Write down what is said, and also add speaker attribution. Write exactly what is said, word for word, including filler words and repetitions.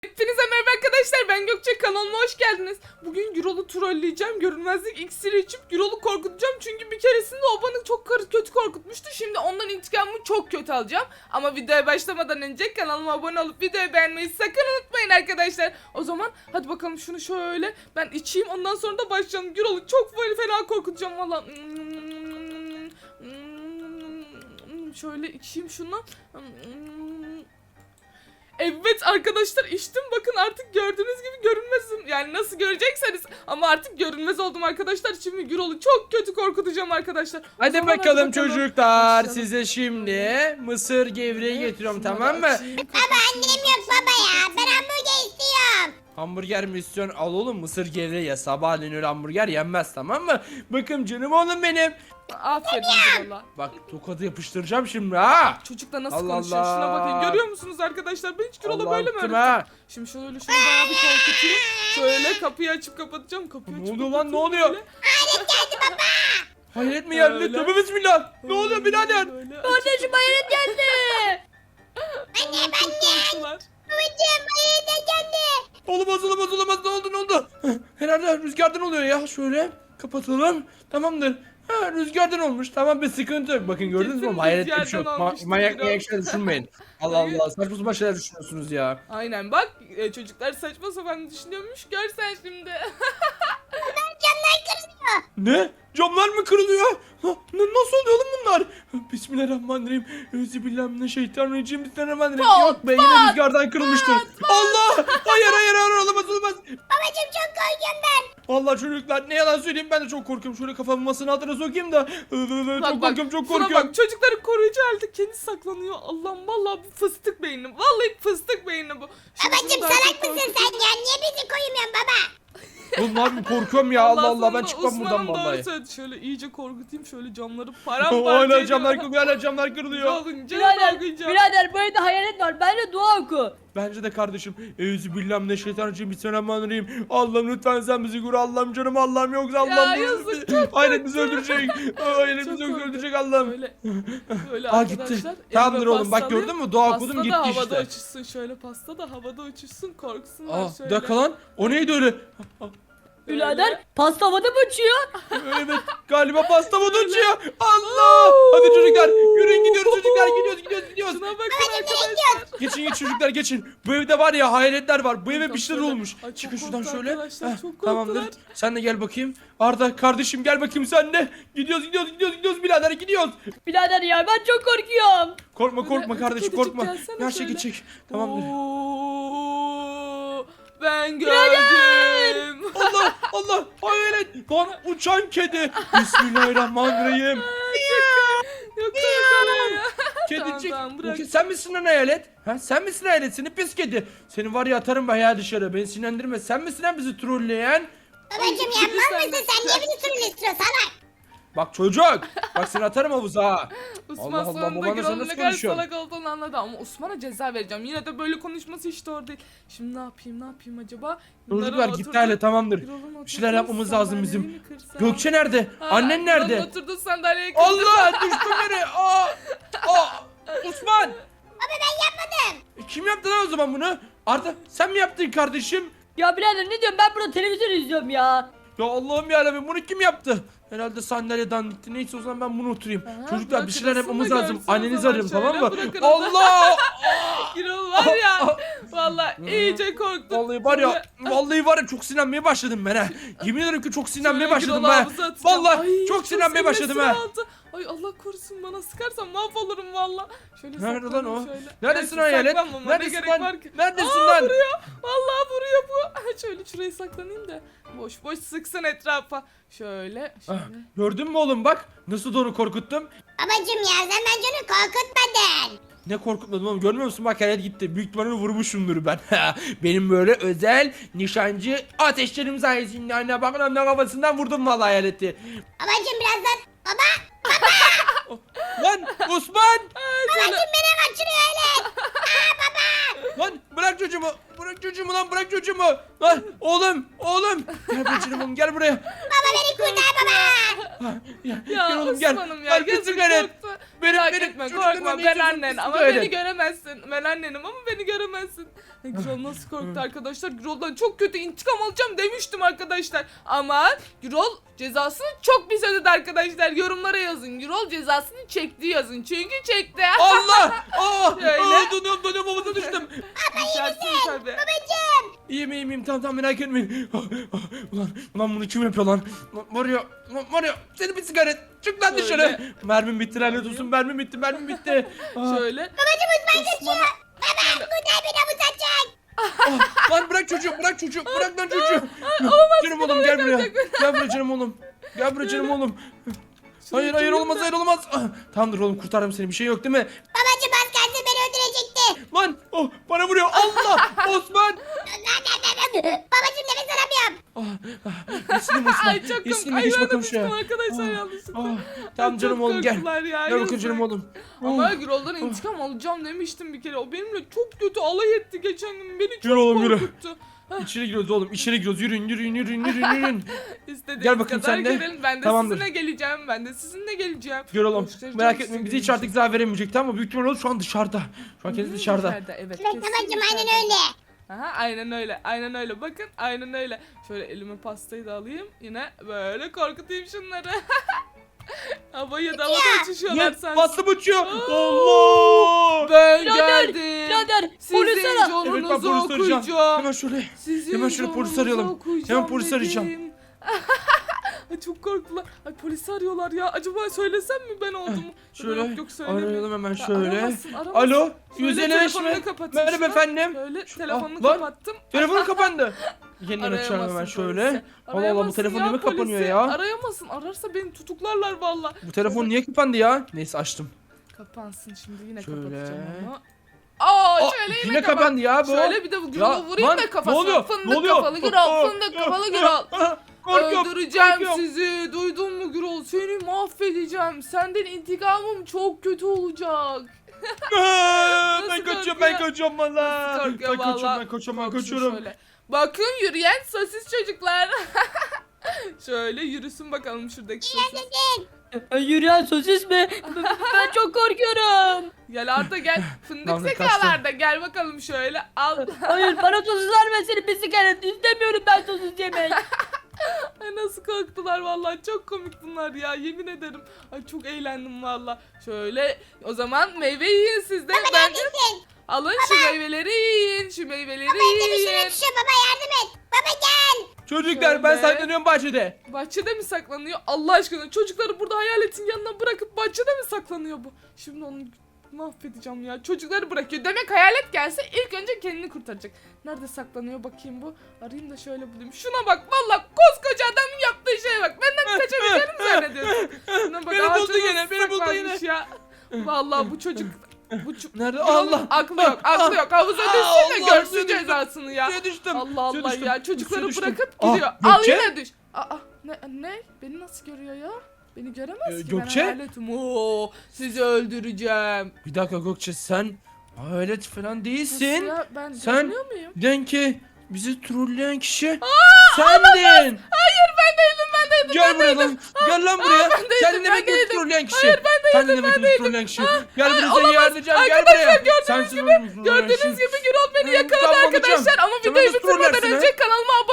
Speaker 1: Hepinize merhaba arkadaşlar, ben Gökçe, kanalıma hoş geldiniz. Bugün Gürol'u trolleyeceğim, görünmezlik iksiri içip Gürol'u korkutacağım. Çünkü bir keresinde o bana çok kötü korkutmuştu. Şimdi ondan intikamımı çok kötü alacağım. Ama videoya başlamadan önce kanalıma abone olup videoyu beğenmeyi sakın unutmayın arkadaşlar. O zaman hadi bakalım, şunu şöyle ben içeyim, ondan sonra da başlayalım. Gürol'u çok böyle fena korkutacağım valla. Şöyle içeyim şunu. Evet arkadaşlar, içtim, bakın artık gördüğünüz gibi görünmezim. Yani nasıl görecekseniz, ama artık görünmez oldum arkadaşlar. Şimdi Gürol'u çok kötü korkutacağım arkadaşlar.
Speaker 2: Hadi
Speaker 1: Zaman
Speaker 2: bakalım
Speaker 1: hadi
Speaker 2: çocuklar.
Speaker 1: Başlayalım.
Speaker 2: Size şimdi mısır gevreği getiriyorum, tamam mı?
Speaker 3: Baba annem yok baba ya. Ben hamburger istiyorum.
Speaker 2: Hamburger mi istiyorsun? Al oğlum, mısır gevreği ya. Sabahleyin öyle hamburger yenmez, tamam mı? Bakın canım oğlum benim.
Speaker 1: Aferin Gürol'a.
Speaker 2: Bak, tokadı yapıştıracağım şimdi ha.
Speaker 1: Çocukla nasıl
Speaker 2: Allah
Speaker 1: konuşuyor, şuna
Speaker 2: Allah.
Speaker 1: bakın, görüyor musunuz arkadaşlar? Ben hiç Gürol'a
Speaker 2: Allah
Speaker 1: böyle mi
Speaker 2: attım
Speaker 1: öğrettim?
Speaker 2: ha.
Speaker 1: Şimdi şöyle şunu bayağı bir korkutayım. Şöyle kapıyı açıp kapatacağım. Kapıyı
Speaker 2: Ne
Speaker 1: açıp
Speaker 2: oluyor lan, ne
Speaker 1: kapatıyorum
Speaker 2: oluyor?
Speaker 1: böyle.
Speaker 2: Hayret mi geldi?
Speaker 1: Öyle.
Speaker 2: Tövbe bismillah. Ne oluyor birader?
Speaker 1: Böyle
Speaker 4: Kardeşim hayalet geldi.
Speaker 3: Anne anne.
Speaker 1: korktular.
Speaker 3: Babacığım hayır geldi.
Speaker 2: Olamaz olamaz olamaz, ne oldu ne oldu? Herhalde rüzgardan oluyor ya. Şöyle kapatalım. Tamamdır. Ha, rüzgardan olmuş. Tamam, bir sıkıntı yok. Bakın gördünüz mü?
Speaker 1: Kesin
Speaker 2: Hayret bir şey yok.
Speaker 1: rüzgardan
Speaker 2: Ma-
Speaker 1: olmuştur
Speaker 2: manyak
Speaker 1: biraz.
Speaker 2: manyak şeyler düşünmeyin. Allah
Speaker 1: Hayır.
Speaker 2: Allah, saçma sapan şeyler düşünüyorsunuz ya.
Speaker 1: Aynen bak, e, çocuklar saçma sapan düşünüyormuş, görsen şimdi.
Speaker 3: Camlar kırılıyor.
Speaker 2: Ne? Camlar mı kırılıyor? Ha, n- nasıl oluyor oğlum bunlar? Bismillahirrahmanirrahim. Euzubillahimineşşeytanirracim. Bismillahirrahmanirrahim.
Speaker 1: Pat,
Speaker 2: Yok be, yine rüzgardan kırılmıştır. Allah! Hayır hayır hayır, olamaz olamaz.
Speaker 3: Babacığım çok korkuyorum ben.
Speaker 2: Vallahi çocuklar, ne yalan söyleyeyim, ben de çok korkuyorum. Şöyle kafamı masanın altına sokayım da. Çok
Speaker 1: Bak, bak,
Speaker 2: korkuyorum, çok
Speaker 1: şuna
Speaker 2: korkuyorum.
Speaker 1: bak, çocukların koruyucu halde kendi saklanıyor. Allah'ım, vallahi bu fıstık beyni. Vallahi fıstık beyni bu. Şimdi
Speaker 3: Babacığım
Speaker 1: bunu daha
Speaker 3: salak
Speaker 1: çok
Speaker 3: mısın
Speaker 1: korkutayım.
Speaker 3: sen ya? Niye bizi koymuyorsun baba?
Speaker 2: Bunlar mı, korkuyorum ya, Allah Allah, ben
Speaker 1: sonunda
Speaker 2: çıkmam buradan
Speaker 1: Osman'ım doğru
Speaker 2: vallahi.
Speaker 1: söyledi. Şöyle iyice korkutayım, şöyle camları paramparça
Speaker 2: Hala
Speaker 1: ediyorum.
Speaker 2: camlar kırılıyor, hala camlar kırılıyor.
Speaker 1: Olunca
Speaker 4: Birader,
Speaker 1: korkacağım.
Speaker 4: birader bu evde hayalet var. Bence dua oku.
Speaker 2: Bence de kardeşim. Euzubillahimineşşeytanirracim. Bismillahirrahmanirrahim. Allah'ım lütfen sen bizi koru. Allah'ım canım Allah'ım, yoksa Allah'ım.
Speaker 1: yazık, çok
Speaker 2: Hayret bizi öldürecek. Hayret
Speaker 1: Çok
Speaker 2: bizi
Speaker 1: korktum.
Speaker 2: öldürecek Allah'ım.
Speaker 1: Böyle, böyle
Speaker 2: Aa,
Speaker 1: arkadaşlar.
Speaker 2: gitti.
Speaker 1: elime
Speaker 2: Tamamdır oğlum, bak
Speaker 1: pasta
Speaker 2: gördün
Speaker 1: alayım.
Speaker 2: mü? Dua
Speaker 1: Pasta
Speaker 2: okudum,
Speaker 1: da
Speaker 2: gitti
Speaker 1: havada
Speaker 2: işte.
Speaker 1: uçuşsun, şöyle pasta da havada uçuşsun, korksunlar
Speaker 2: Aa,
Speaker 1: şöyle.
Speaker 2: bir dakika lan. O neydi öyle?
Speaker 4: Birader pasta havada mı uçuyor?
Speaker 2: Evet, galiba pasta mı uçuyor? Allah! Hadi çocuklar, yürüyün, gidiyoruz çocuklar, gidiyoruz gidiyoruz gidiyoruz.
Speaker 1: Şuna bakın arkadaşlar.
Speaker 2: Geçin geçin çocuklar, geçin. Bu evde var ya, hayaletler var. Bu eve
Speaker 1: Buradan
Speaker 2: bir şeyler
Speaker 1: şöyle.
Speaker 2: olmuş.
Speaker 1: Ay, çok
Speaker 2: Çıkın şuradan
Speaker 1: korktu
Speaker 2: şöyle.
Speaker 1: arkadaşlar,
Speaker 2: Heh,
Speaker 1: çok
Speaker 2: tamamdır.
Speaker 1: korktular.
Speaker 2: Sen de gel bakayım. Arda kardeşim, gel bakayım sen de. Gidiyoruz gidiyoruz gidiyoruz gidiyoruz birader, gidiyoruz.
Speaker 4: Birader ya ben çok korkuyorum.
Speaker 2: Korkma korkma
Speaker 1: Böyle,
Speaker 2: kardeşim,
Speaker 1: kedicik
Speaker 2: korkma.
Speaker 1: gelsene
Speaker 2: Her şey
Speaker 1: şöyle.
Speaker 2: geçecek. Tamamdır.
Speaker 1: Oo, ben gördüm.
Speaker 2: Allah Allah, hayalet. Lan, uçan kedi. Bismillahirrahmanirrahim.
Speaker 1: Yok korkuyorum ya.
Speaker 2: Kedicik.
Speaker 1: Tamam, tamam, bırak.
Speaker 2: Bu ke- sen misin lan hayalet? Ha, sen misin hayalet? Seni pis kedi. Seni var ya, atarım ben ya dışarı. Beni sinirlendirme. Sen misin lan bizi trolleyen?
Speaker 3: Babacığım
Speaker 1: Ay,
Speaker 3: yapmaz
Speaker 1: sen
Speaker 3: mısın
Speaker 1: de-
Speaker 3: sen? Niye bizi sürün istiyorsun salak?
Speaker 2: Bak çocuk. Bak, seni atarım havuza ha.
Speaker 1: Osman
Speaker 2: Allah Allah,
Speaker 1: sonunda
Speaker 2: babanla sen
Speaker 1: Gürol'un
Speaker 2: nasıl
Speaker 1: ne kadar
Speaker 2: konuşuyorsun?
Speaker 1: salak olduğunu anladı, ama Osman'a ceza vereceğim. Yine de böyle konuşması hiç doğru değil. Şimdi ne yapayım ne yapayım acaba?
Speaker 2: Çocuklar
Speaker 1: Bunların
Speaker 2: gitti
Speaker 1: oturduğu-
Speaker 2: hala, tamamdır.
Speaker 1: Gürol'un
Speaker 2: Bir şeyler
Speaker 1: oturduğu
Speaker 2: yapmamız lazım bizim.
Speaker 1: sandalyeyi mi kırsam?
Speaker 2: Gökçe nerede?
Speaker 1: Ha,
Speaker 2: Annen
Speaker 1: Gürol'un
Speaker 2: nerede?
Speaker 1: oturduğu sandalyeyi kırdım.
Speaker 2: Allah, düştüm yere. Aa! Aa! Osman!
Speaker 3: Baba ben yapmadım.
Speaker 2: E, Kim yaptı lan o zaman bunu? Arda, sen mi yaptın kardeşim?
Speaker 4: Ya birader ne diyorum, ben burada televizyon izliyorum ya.
Speaker 2: Ya Allah'ım yarabbim, bunu kim yaptı? Herhalde sandalye dandikti. Neyse, o zaman ben bunu oturayım.
Speaker 1: Aha,
Speaker 2: Çocuklar, bir
Speaker 1: bırakın
Speaker 2: şeyler yapmamız
Speaker 1: aslında
Speaker 2: lazım.
Speaker 1: görsün o
Speaker 2: Annenizi
Speaker 1: zaman,
Speaker 2: arayın,
Speaker 1: şöyle
Speaker 2: tamam mı?
Speaker 1: bırakın onu.
Speaker 2: Allah!
Speaker 1: Gürol var ya. Vallahi iyice korktum.
Speaker 2: Vallahi var ya,
Speaker 1: Şöyle-
Speaker 2: vallahi var ya, çok sinirlenmeye başladım ben ha. Yemin ederim ki çok sinirlenmeye
Speaker 1: Şöyle
Speaker 2: başladım
Speaker 1: Gürol'u
Speaker 2: ben.
Speaker 1: havuza atacağım.
Speaker 2: Vallahi
Speaker 1: Ay,
Speaker 2: çok sinirlenmeye başladım
Speaker 1: sinirlesim
Speaker 2: ha.
Speaker 1: aldı. Ay Allah korusun, bana sıkarsan mahvolurum valla. Şöyle
Speaker 2: Nerede lan
Speaker 1: saklanayım
Speaker 2: o?
Speaker 1: şöyle.
Speaker 2: Neredesin
Speaker 1: Neyse,
Speaker 2: hayalet?
Speaker 1: saklanmama ne
Speaker 2: Neredesin
Speaker 1: gerek
Speaker 2: lan?
Speaker 1: var ki?
Speaker 2: Neredesin
Speaker 1: Aa,
Speaker 2: lan?
Speaker 1: vuruyor. Vallahi vuruyor bu. Şöyle şurayı saklanayım da. Boş boş sıksın etrafa. Şöyle
Speaker 2: Ah,
Speaker 1: şöyle.
Speaker 2: gördün mü oğlum, bak nasıl da onu korkuttum.
Speaker 3: Babacığım ya sen bence onu korkutmadın.
Speaker 2: Ne korkutmadım oğlum, görmüyor musun, bak hayalet gitti. Büyük ihtimalle vurmuşumdur ben. Benim böyle özel nişancı ateşlerim sayesinde anne bakın, anne kafasından vurdum vallahi hayaleti.
Speaker 3: Babacığım birazdan. Baba.
Speaker 2: Lan Osman!
Speaker 3: Babacığım beni kaçırıyor öyle.
Speaker 2: Lan bırak çocuğumu! Bırak çocuğumu lan, bırak çocuğumu! Lan oğlum, oğlum! Gel buraya canım, gel buraya.
Speaker 3: Baba beni kurtar baba.
Speaker 2: Ha, Ya,
Speaker 1: Ya
Speaker 2: gel oğlum, gel.
Speaker 1: Osman'ım ya,
Speaker 2: Gel,
Speaker 1: gözüm
Speaker 2: kızım, gel.
Speaker 1: korktu.
Speaker 2: Benim,
Speaker 1: Merak
Speaker 2: benim
Speaker 1: etme
Speaker 2: çocuklarıma
Speaker 1: korkma
Speaker 2: ne
Speaker 1: ben
Speaker 2: istiyorsun?
Speaker 1: annen
Speaker 2: Siz
Speaker 1: ama
Speaker 2: söyle.
Speaker 1: beni göremezsin. Ben annenim ama beni göremezsin. Gürol nasıl korktu arkadaşlar. Gürol'dan çok kötü intikam alacağım demiştim arkadaşlar. Ama Gürol cezasını çok pis ödedi arkadaşlar. Yorumlara yazın. Gürol cezasını çekti yazın. Çünkü çekti.
Speaker 2: Allah! Aa!
Speaker 1: Şöyle.
Speaker 2: Aa, donuyorum donuyorum havada düştüm.
Speaker 1: Düşersin tabii.
Speaker 2: İyiyim iyiyim iyiyim tamam tamam merak etmeyin. Ah, ah, Ulan ulan bunu kim yapıyor lan? Lan var ya lan var ya seni bir sigara çık lan
Speaker 1: Şöyle.
Speaker 2: dışarı. Mermim bitti lanet olsun mermim bitti mermim bitti. Ah,
Speaker 1: Şöyle. Osman'a-
Speaker 3: Kurtar beni bu saçak.
Speaker 2: ah, lan bırak çocuğu bırak çocuğu bırak lan çocuğu. Canım oğlum gel buraya. Gel buraya canım oğlum. Gel buraya canım oğlum. Hayır hayır olmaz hayır olmaz. Ah, tamamdır oğlum kurtardım seni bir şey yok değil mi?
Speaker 3: Babacım az kalsın beni öldürecekti.
Speaker 2: Lan oh bana vuruyor Allah Osman.
Speaker 3: Babacım nefes alamıyorum.
Speaker 2: Ah, ah, İslim Osman.
Speaker 1: Ay çok
Speaker 2: İslim
Speaker 1: komik. Ay
Speaker 2: geç
Speaker 1: ben de
Speaker 2: bakalım
Speaker 1: düştüm
Speaker 2: şuraya.
Speaker 1: arkadaşlar
Speaker 2: Ah,
Speaker 1: yanlışlıkla.
Speaker 2: ah, Tamam
Speaker 1: Ay,
Speaker 2: canım
Speaker 1: çok
Speaker 2: oğlum gel.
Speaker 1: korktular ya,
Speaker 2: Gel bakayım
Speaker 1: yazık.
Speaker 2: canım oğlum.
Speaker 1: Ama
Speaker 2: Oh.
Speaker 1: Gürol'dan intikam alacağım demiştim bir kere. O benimle çok kötü alay etti geçen gün. Beni çok
Speaker 2: Yürü oğlum, yürü.
Speaker 1: korkuttu.
Speaker 2: İçeri giriyoruz oğlum içeri giriyoruz yürüyün yürüyün yürüyün yürüyün yürüyün.
Speaker 1: İstediğiniz
Speaker 2: Gel bakayım
Speaker 1: kadar
Speaker 2: sen de.
Speaker 1: gelin. Ben de
Speaker 2: Tamamdır.
Speaker 1: sizinle geleceğim. Ben de sizinle geleceğim.
Speaker 2: Gör oğlum
Speaker 1: Göstereceğim
Speaker 2: merak
Speaker 1: size
Speaker 2: etmeyin bize hiç
Speaker 1: gününüzü.
Speaker 2: artık zarar veremeyecek tamam mı? Büyük ihtimalle şu an dışarıda. Şu an kendisi
Speaker 1: Hı,
Speaker 2: dışarıda.
Speaker 1: Evet.
Speaker 3: Evet
Speaker 1: kesin
Speaker 3: babacım aynen
Speaker 1: dışarıda.
Speaker 3: öyle.
Speaker 1: Aha, aynen öyle. Aynen öyle. Bakın aynen öyle. Şöyle elime pastayı da alayım. Yine böyle korkutayım şunları. Havaya da havada uçuşuyorlar
Speaker 2: Lan
Speaker 1: sanki.
Speaker 2: bastım uçuyor. Allah.
Speaker 1: Ben
Speaker 4: Birader,
Speaker 1: geldim.
Speaker 4: birader,
Speaker 1: Sizin
Speaker 4: polis ara.
Speaker 2: Evet ben
Speaker 1: canınızı
Speaker 2: polis arayacağım.
Speaker 1: okuyacağım.
Speaker 2: Hemen şöyle.
Speaker 1: Sizin
Speaker 2: Hemen şöyle polis
Speaker 1: canınızı
Speaker 2: arayalım.
Speaker 1: okuyacağım
Speaker 2: Hemen polis arayacağım.
Speaker 1: dedim. Ay çok korktular. Ay polisi arıyorlar ya. Acaba söylesem mi ben olduğumu?
Speaker 2: Şöyle
Speaker 1: Yok, yok, söylemeyeyim.
Speaker 2: arayalım hemen
Speaker 1: Ya,
Speaker 2: şöyle.
Speaker 1: aramazsın, aramazsın.
Speaker 2: Alo
Speaker 1: Şöyle
Speaker 2: yüz elli beş
Speaker 1: telefonunu
Speaker 2: mi?
Speaker 1: kapatayım
Speaker 2: Merhaba
Speaker 1: şuna.
Speaker 2: efendim.
Speaker 1: Böyle
Speaker 2: Şu-
Speaker 1: telefonunu
Speaker 2: Ah, lan.
Speaker 1: kapattım.
Speaker 2: Telefonu kapandı. Yeniden açalım
Speaker 1: Arayamazsın
Speaker 2: hemen
Speaker 1: polisi.
Speaker 2: şöyle. Allah Allah bu
Speaker 1: Arayamazsın
Speaker 2: telefon
Speaker 1: ya
Speaker 2: niye mi kapanıyor
Speaker 1: polisi.
Speaker 2: ya?
Speaker 1: Arayamasın. Ararsa beni tutuklarlar valla.
Speaker 2: Bu telefon niye kapandı ya? Neyse açtım.
Speaker 1: Kapansın şimdi yine
Speaker 2: Şöyle.
Speaker 1: kapatacağım onu. Aa,
Speaker 2: Aa,
Speaker 1: şöyle yine,
Speaker 2: yine
Speaker 1: kapat.
Speaker 2: kapandı ya bu.
Speaker 1: Şöyle bir de bu
Speaker 2: Ya,
Speaker 1: Gürol'u vurayım
Speaker 2: lan,
Speaker 1: da
Speaker 2: ne
Speaker 1: kafasına.
Speaker 2: oluyor?
Speaker 1: Fındık
Speaker 2: Ne oluyor?
Speaker 1: kafalı Gürol,
Speaker 2: Aa,
Speaker 1: fındık
Speaker 2: aa,
Speaker 1: kafalı
Speaker 2: aa,
Speaker 1: Gürol.
Speaker 2: aa, Korkuyorum.
Speaker 1: Öldüreceğim
Speaker 2: korkuyorum.
Speaker 1: sizi. Duydun mu Gürol? Seni mahvedeceğim. Senden intikamım çok kötü olacak.
Speaker 2: Aa,
Speaker 1: Nasıl
Speaker 2: ben kaçıyorum
Speaker 1: korkuyor?
Speaker 2: ben kaçıyorum valla.
Speaker 1: Nasıl
Speaker 2: Ben
Speaker 1: korkuyor
Speaker 2: kaçıyorum
Speaker 1: valla?
Speaker 2: ben kaçıyorum ben
Speaker 1: Korksun
Speaker 2: kaçıyorum.
Speaker 1: şöyle. Bakın yürüyen sosis çocuklar. Şöyle yürüsün bakalım şuradaki sosis.
Speaker 4: Ay, Yürüyen sosis mi? B- Ben çok korkuyorum.
Speaker 1: Gel Arda gel. Fındık
Speaker 2: Tamam,
Speaker 1: zekalarda gel bakalım şöyle. Al.
Speaker 4: Hayır bana sosis verme seni bir sigara. İstemiyorum ben sosis yemek.
Speaker 1: Ay nasıl korktular vallahi çok komik bunlar ya yemin ederim. Ay çok eğlendim valla. Şöyle o zaman meyve yiyin siz de. Ben
Speaker 3: Neredesin?
Speaker 1: alın şu meyveleri yiyin. Şu meyveleri
Speaker 3: Bende bir şey
Speaker 1: yiyin.
Speaker 3: düşüyor baba yardım et. Baba gel.
Speaker 2: Çocuklar ben
Speaker 1: Şöyle.
Speaker 2: saklanıyorum bahçede.
Speaker 1: Bahçede mi saklanıyor? Allah aşkına çocukları burada hayaletin yanına bırakıp bahçede mi saklanıyor bu? Şimdi onu mahvedeceğim ya. Çocukları bırakıyor. Demek hayalet gelse ilk önce kendini kurtaracak. Nerede saklanıyor bakayım bu? Arayayım da şöyle bulayım. Şuna bak valla koskoca adamın yaptığı şeye bak. Benden kaçabileceğini mi zannediyorsun? Şuna bak,
Speaker 2: Beni buldu
Speaker 1: ağacın
Speaker 2: yine,
Speaker 1: nasıl
Speaker 2: beni buldu
Speaker 1: saklanmış Ya. Valla bu çocuk... Bu çocuk...
Speaker 2: Nerede? Allah.
Speaker 1: Aklı yok, aklı yok. Havuza
Speaker 2: Aa,
Speaker 1: düşsün de
Speaker 2: Allah,
Speaker 1: görsün
Speaker 2: suya düştüm.
Speaker 1: cezasını ya.
Speaker 2: Suya düştüm.
Speaker 1: Allah
Speaker 2: suya
Speaker 1: Allah
Speaker 2: düştüm,
Speaker 1: ya çocukları
Speaker 2: suya düştüm.
Speaker 1: bırakıp
Speaker 2: Ah,
Speaker 1: gidiyor. Al
Speaker 2: Gökçe?
Speaker 1: yine düş. Aa ne ne? Beni nasıl görüyor ya? Beni göremez
Speaker 2: Ee,
Speaker 1: ki
Speaker 2: Gökçe?
Speaker 1: ben hayaletim. Oo, sizi öldüreceğim.
Speaker 2: Bir dakika Gökçe sen hayalet falan
Speaker 1: Nasıl
Speaker 2: değilsin.
Speaker 1: ya? Ben
Speaker 2: Sen-
Speaker 1: görünüyor muyum?
Speaker 2: Denki bizi trolleyen kişi sendin.
Speaker 1: Hayır ben değildim ben değildim.
Speaker 2: Gel buraya lan. Gel lan buraya.
Speaker 1: ben değildim,
Speaker 2: Sen
Speaker 1: ben
Speaker 2: demek ki bizi
Speaker 1: değildim.
Speaker 2: trolleyen kişi.
Speaker 1: Hayır, ben
Speaker 2: Sen
Speaker 1: değildim,
Speaker 2: demek ki
Speaker 1: ben
Speaker 2: bizi
Speaker 1: değildim.
Speaker 2: trolleyen kişi.
Speaker 1: Ah,
Speaker 2: Gel
Speaker 1: ay,
Speaker 2: buraya seni
Speaker 1: olamaz.
Speaker 2: yardım edeceğim. Gel
Speaker 1: Arkadaşlar,
Speaker 2: buraya.
Speaker 1: gördüğünüz
Speaker 2: Sensin
Speaker 1: gibi-
Speaker 2: oğlum, trolleyen
Speaker 1: Gördüğünüz
Speaker 2: kişi.
Speaker 1: gibi Gürol beni
Speaker 2: Hmm,
Speaker 1: yakaladı
Speaker 2: tamam,
Speaker 1: arkadaşlar.
Speaker 2: alacağım.
Speaker 1: Ama
Speaker 2: Sen
Speaker 1: videoyu
Speaker 2: nasıl
Speaker 1: bitirmeden
Speaker 2: trollersin,
Speaker 1: önce
Speaker 2: ha?
Speaker 1: kanalıma